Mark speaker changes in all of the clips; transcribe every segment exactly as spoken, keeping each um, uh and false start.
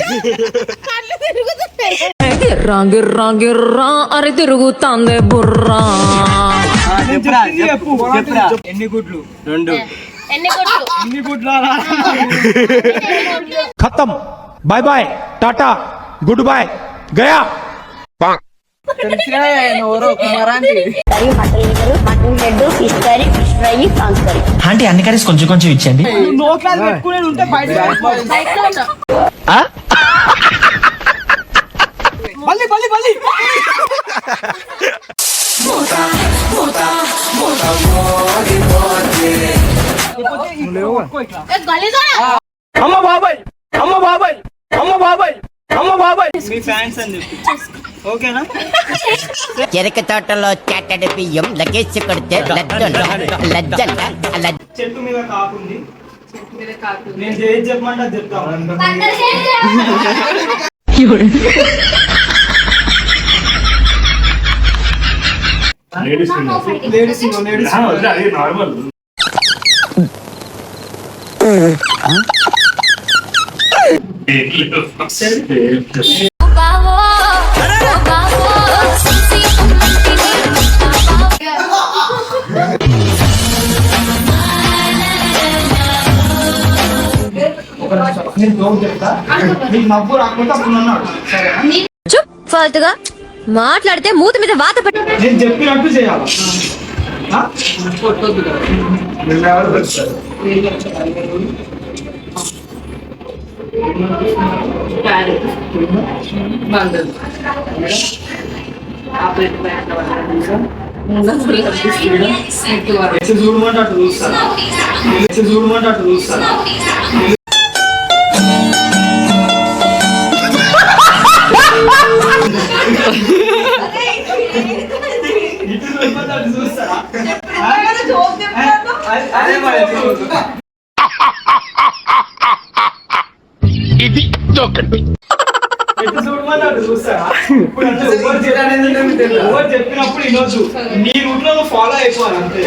Speaker 1: గిర్రా గిర్రా గిర్రా అరి తిరుగుతాందే బుర్రా.
Speaker 2: ఎన్ని గుడ్లు? రెండు.
Speaker 3: ఎన్ని గుడ్లు?
Speaker 2: ఎన్ని గుడ్లు?
Speaker 4: ఖతం. బాయ్ బాయ్, టాటా, గుడ్ బాయ్, గయా.
Speaker 5: ఆంటీ అన్ని కర్రీస్ కొంచెం కొంచెం ఇచ్చండి.
Speaker 4: అమ్మ బాబాయ్, అమ్మ బాబాయ్, అమ్మ బాబాయ్, అమ్మ బాబాయ్.
Speaker 2: మీ ఫ్యాన్స్ అని చెప్పి ఓకేనా?
Speaker 5: చెరక తోటలో చెట్టడి బియ్యం లగేజ్ కొడితే
Speaker 2: చెట్టు మీద కాకుంది. నేను చేసి చెప్పమంటే అది చెప్తాను. Ladies ladies
Speaker 4: normal.
Speaker 2: నవ్వు రాకుండా
Speaker 1: చుప్ ఫాల్తుగా మాట్లాడితే మూతి మీద వాత పెట్టి.
Speaker 2: నేను చెప్పినట్టు చేయాలి. చూడమంటే అటు చూస్తాను చూడమంటే అటు చూస్తాను
Speaker 4: ఇది జోకండి.
Speaker 2: చెప్పినప్పుడు వినొద్దు. నీ రూట్ లో ఫాలో అయిపోవాలి అంతే.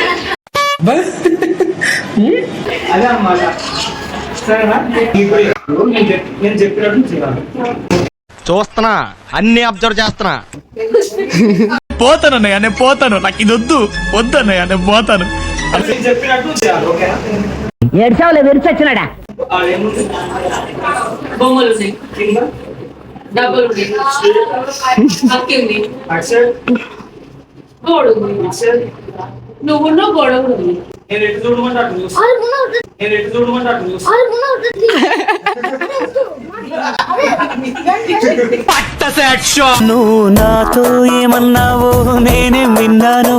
Speaker 2: అదే అన్నమాట. సరేనా? నేను చెప్పినట్టు చేయాలి.
Speaker 6: చూస్తున్నా, అన్ని అబ్జర్వ్ చేస్తున్నా.
Speaker 4: పోతాను అన్నయ్య, నేను పోతాను. నాకు ఇది వద్దు వద్దు అన్నయ్య, నేను పోతాను.
Speaker 2: నేను చెప్పినట్టు చేయాలి. ఓకేనా?
Speaker 5: ఏడ్చావులే విరిచొచ్చినాడా.
Speaker 3: బొమ్మలు కింద డబ్బులు అక్కింది గోడ నువ్వు గొడవ ఉంది.
Speaker 2: నేను ఎటు చూడమంటే అటు చూస్తాను. నేను ఎటు చూడమంటే అటు చూస్తాను.
Speaker 7: నువ్వు నాతో ఏమన్నావో నేనే విన్నాను.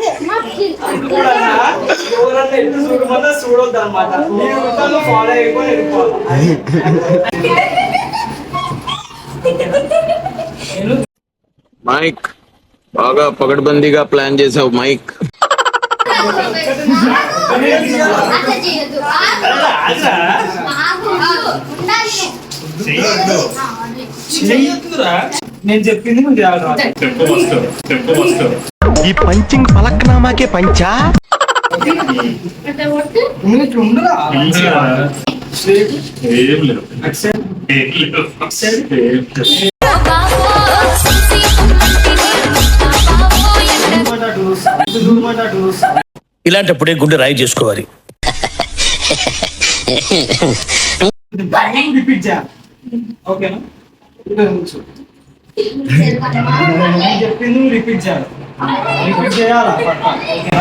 Speaker 2: ఎవరన్నా ఎటు చూడమన్నా చూడొద్దు అనమాట. నీ రూట్లో ఫాలో అయిపోయి వెళ్ళిపోవాలి.
Speaker 8: మైక్ బాగా పకడ్బందీగా ప్లాన్ చేసావు మైక్.
Speaker 2: నేను చెప్పింది నువ్వు చేయాలి.
Speaker 6: ఈ పంచింగ్ పలక్నామాకే పంచా.
Speaker 7: ఇలాంటప్పుడే గుండె రాయి చేసుకోవాలి.
Speaker 2: రిపీట్ చేయాలి. ఓకేనా? నేను చెప్పింది రిపీట్ చేయాలి. రిపీట్ చేయాలా? ఓకేనా?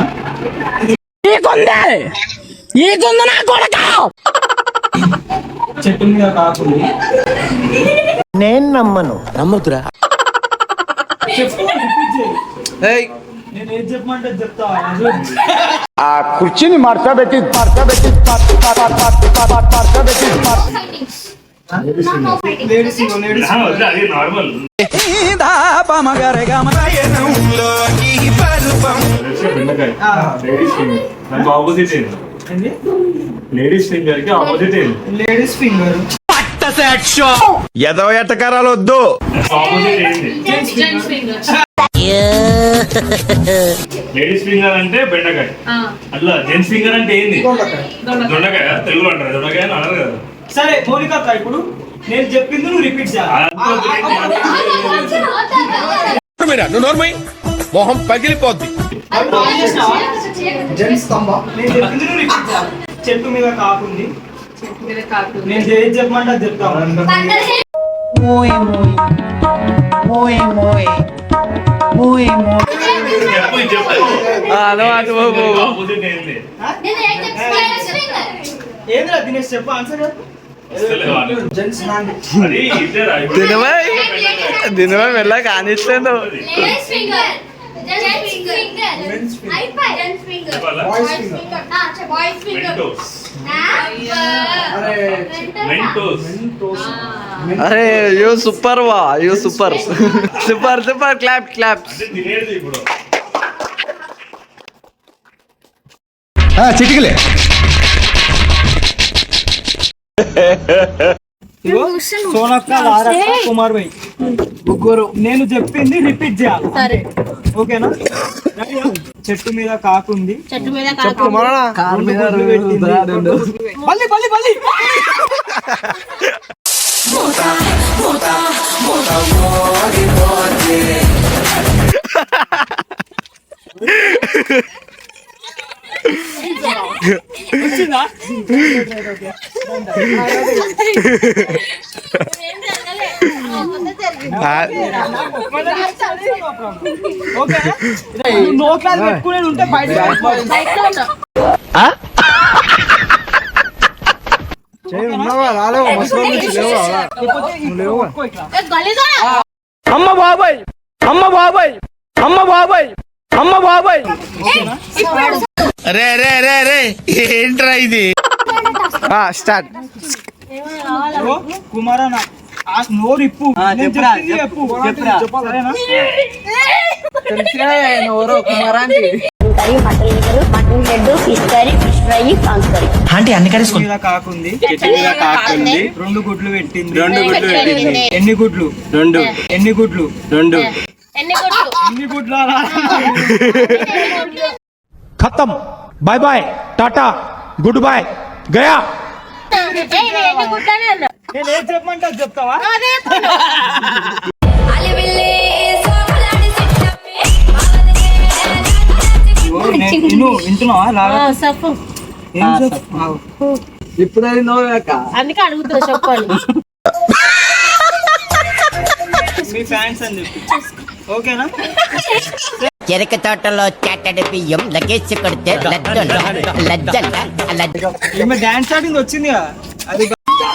Speaker 2: చెట్టు మీద కాకుండా
Speaker 7: నేను నమ్మను. నమ్మతురా.
Speaker 2: చెప్పు, రిపీట్ చేయి. నేను ఏం చెప్పమంటే చెప్తా.
Speaker 4: ఆ కుర్చీని మార్చా పెట్టి మార్చా పెట్టి మార్చా పెట్టి
Speaker 2: ladies ladies
Speaker 4: normal.
Speaker 6: Opposite ladies finger కి ఆపోజిట్
Speaker 2: లేడీస్ ఫింగర్.
Speaker 6: ఎదవ ఎట్టకారాలు వద్దు.
Speaker 4: లేడీస్ ఫింగర్ అంటే బెండకాయ, అట్లా జెంట్స్ ఫింగర్ అంటే ఏంది? దొండకాయ. తెలుగులో అంటారు దొండకాయ అని అన్నారు కదా.
Speaker 2: సరే మౌనిక, ఇప్పుడు నేను చెప్పింది నువ్వు రిపీట్ చేయాలి.
Speaker 7: నువ్వు నోర్మై మొహం పగిలిపోద్ది.
Speaker 2: నేను చెప్పింది నువ్వు రిపీట్ చేయాలి. చెట్టు మీద కాకుంది.
Speaker 3: చెట్టు మీద కాకుండా
Speaker 2: నేను ఏది చెప్పమంటే అది చెప్తాను. ఏంద్రా దినేష్ చెప్పు ఆన్సర్ చెప్పు. జెంట్స్ నాన్
Speaker 9: దీనివల్ల మెల్ల కానిస్తుంది. అరే యూ సూపర్ వా you super super super clap clap.
Speaker 6: చిటికలే
Speaker 2: సోనక్క లారక్క కుమార్ భాయ్ ముగ్గురు. నేను చెప్పింది రిపీట్ చేయాలి.
Speaker 3: సరే
Speaker 2: ఓకేనా? చెట్టు మీద కాకుంది.
Speaker 3: చెట్టు మీద
Speaker 2: చెప్పు మరణ. రెండు గుడ్లు పెట్టింది. బల్లి బల్లి బల్లి. వచ్చిందా? నోట్లా పెట్టుకునేది ఉంటే బయట
Speaker 9: అమ్మ బాబాయ్ అమ్మ బాబాయ్ అమ్మ బాబాయ్ అమ్మ బాబాయ్.
Speaker 7: రే రే రే రే ఏంట్రా ఇది?
Speaker 9: స్టార్ట్.
Speaker 2: కుమారన్న నోరు ఇప్పు. నేను చెప్పింది చెప్పు. సరేనా?
Speaker 7: ఆంటీ అన్ని కర్రీస్
Speaker 2: చెట్టు మీద కాకుంది. చెట్టు మీద కాకుంది. రెండు గుడ్లు పెట్టింది. రెండు గుడ్లు పెట్టింది. ఎన్ని గుడ్లు? రెండు. ఎన్ని గుడ్లు? రెండు.
Speaker 3: ఎన్ని కొట్టు
Speaker 2: ఎన్ని గుడ్లు?
Speaker 6: ఖతం బాయ్ బాయ్ టాటా గుడ్ బాయ్ గయా.
Speaker 3: ఎన్ని గుడ్డనే అన్నా
Speaker 2: నేను ఏం చెప్పమంటే అది చెప్తావా? నువ్వు వింటున్నావా? లాగా
Speaker 3: సఫు
Speaker 2: ఏం చెప్పు?
Speaker 9: ఇప్పుడు అది నోవాక
Speaker 3: అందుకే అడుగుతున్నా చెప్పండి.
Speaker 2: మీ ఫ్యాన్స్ అని చెప్పి. ఓకేనా?
Speaker 5: చెరక తోటలో చాటడి బియ్యం లగేజ్ కొడితే లజ్జల లజ్జల లజ్జ.
Speaker 2: ఈమె డాన్స్ స్టార్టింగ్ వచ్చింది కదా అది.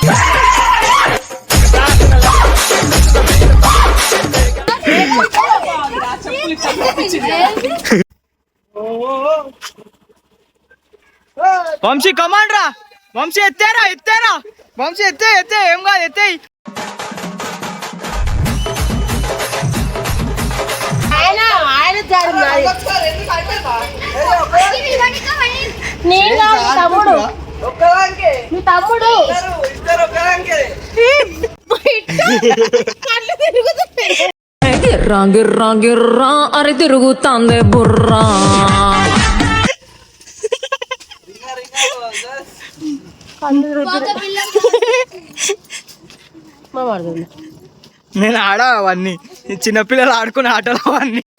Speaker 2: వంశీ కమాండ్ రా. వంశీ ఎత్తేరా ఎత్తేరా. వంశీ ఎత్తే ఎత్తే ఏం కాదు ఎత్తేయి.
Speaker 3: ఆయన ఆయన జారు నాది. నీ కాదు తమ్ముడు. మీ తమ్ముడు కళ్ళు తిరుగుతున్నాయి.
Speaker 1: గిర్రా గిర్రా గిర్రా అరి తిరుగుతాందే బుర్రా.
Speaker 2: నేను ఆడా అవన్నీ చిన్నపిల్లలు ఆడుకునే ఆటలు అవన్నీ.